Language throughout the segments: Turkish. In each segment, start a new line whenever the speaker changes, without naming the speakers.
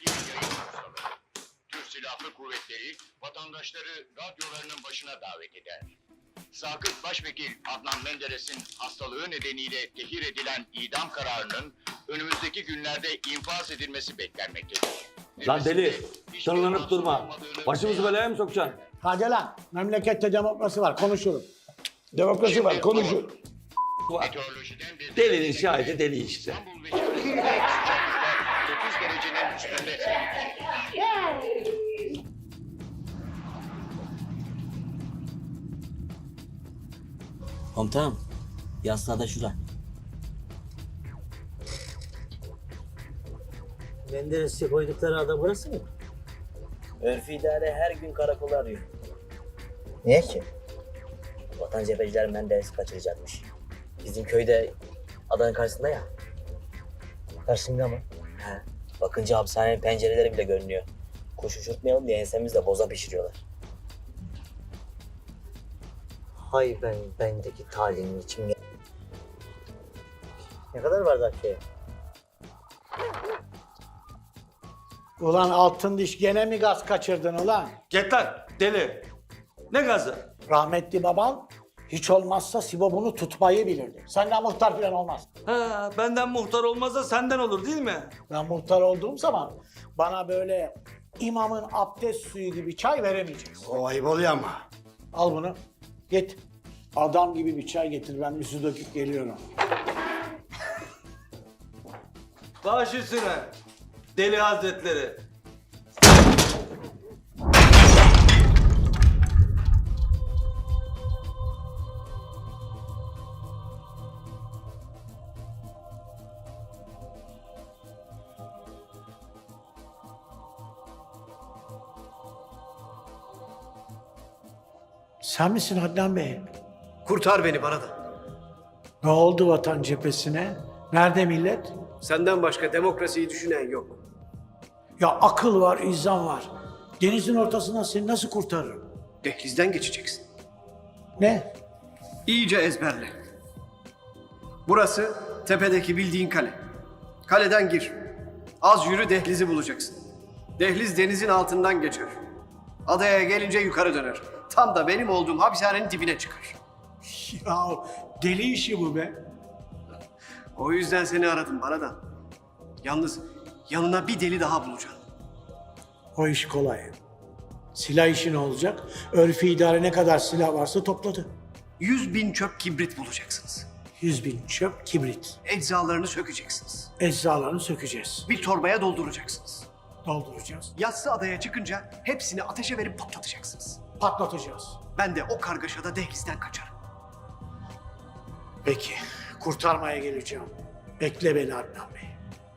bir yayın ustaları. Türk Silahlı Kuvvetleri vatandaşları radyolarının başına davet eder. Sakıp Başvekil Adnan Menderes'in hastalığı nedeniyle tehir edilen idam kararının önümüzdeki günlerde infaz edilmesi beklenmektedir.
Lan deli, tırlanıp durma. Başımızı belaya mı sokacaksın?
Hadi lan, memlekette demokrasi var, konuşurum. Demokrasi var, konuşur.
Meteorolojiden bir
Delinin şahidi deli işte.
İstanbul ve çevresinde sıcaklıklar 30 derecenin üstünde seyredecek.
Komutanım, yastığa da şura. Menderes'e koydukları ada burası mı? Örfü idare her gün karakolu arıyor. Niye ki? Vatan cepheciler Menderes'i kaçıracakmış. Bizim köyde adanın karşısında ya. Karşısında mı? He. Bakınca hapishanenin pencereleri bile görünüyor. Kuş uçurtmayalım diye ensemizle boza pişiriyorlar. Hay bendeki talimin içim ya. Ne kadar var Zakkiye?
Ulan altın diş gene mi gaz kaçırdın ulan?
Git lan deli. Ne gazı?
Rahmetli baban hiç olmazsa Sibop'unu tutmayı bilirdi. Senden muhtar falan olmaz.
Ha, benden muhtar olmaz da senden olur değil mi?
Ben muhtar olduğum zaman bana böyle imamın abdest suyu gibi çay veremeyeceksin.
O ayıp oluyor ama.
Al bunu, git. Adam gibi bir çay getir, ben bir su döküp geliyorum.
Baş üstüne. Deli Hazretleri.
Sen misin Adnan Bey?
Kurtar beni bana da.
Ne oldu vatan cephesine? Nerede millet?
Senden başka demokrasiyi düşünen yok.
Ya akıl var, izan var. Denizin ortasından seni nasıl kurtarırım?
Dehlizden geçeceksin.
Ne?
İyice ezberle. Burası tepedeki bildiğin kale. Kaleden gir. Az yürü dehlizi bulacaksın. Dehliz denizin altından geçer. Adaya gelince yukarı döner. Tam da benim olduğum hapishanenin dibine çıkar.
Ya deli işi bu be.
O yüzden seni aradım bana da. Yalnız yanına bir deli daha bulacağım.
O iş kolay. Silah işi ne olacak? Örfi idare ne kadar silah varsa topladı.
100.000 çöp kibrit bulacaksınız.
100.000 çöp, kibrit.
Eczalarını sökeceksiniz.
Eczalarını sökeceğiz.
Bir torbaya dolduracaksınız.
Dolduracağız.
Yassı adaya çıkınca hepsini ateşe verip patlatacaksınız.
Patlatacağız.
Ben de o kargaşada dehlizden kaçarım.
Peki, kurtarmaya geleceğim. Bekle beni Adnan Bey.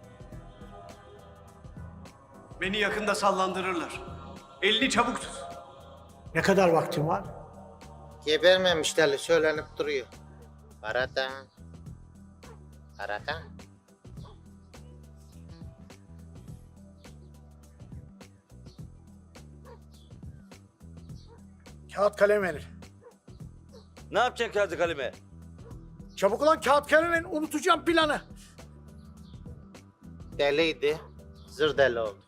Beni yakında sallandırırlar. Elini çabuk tut.
Ne kadar vaktim var?
Gebermemişlerle söylenip duruyor. Barata. Barata.
Kağıt kalem verir.
Ne yapacaksın kağıdı kaleme?
Çabuk ulan kağıt kalem verin, unutacağım planı.
Deliydi. Zır deli oldu.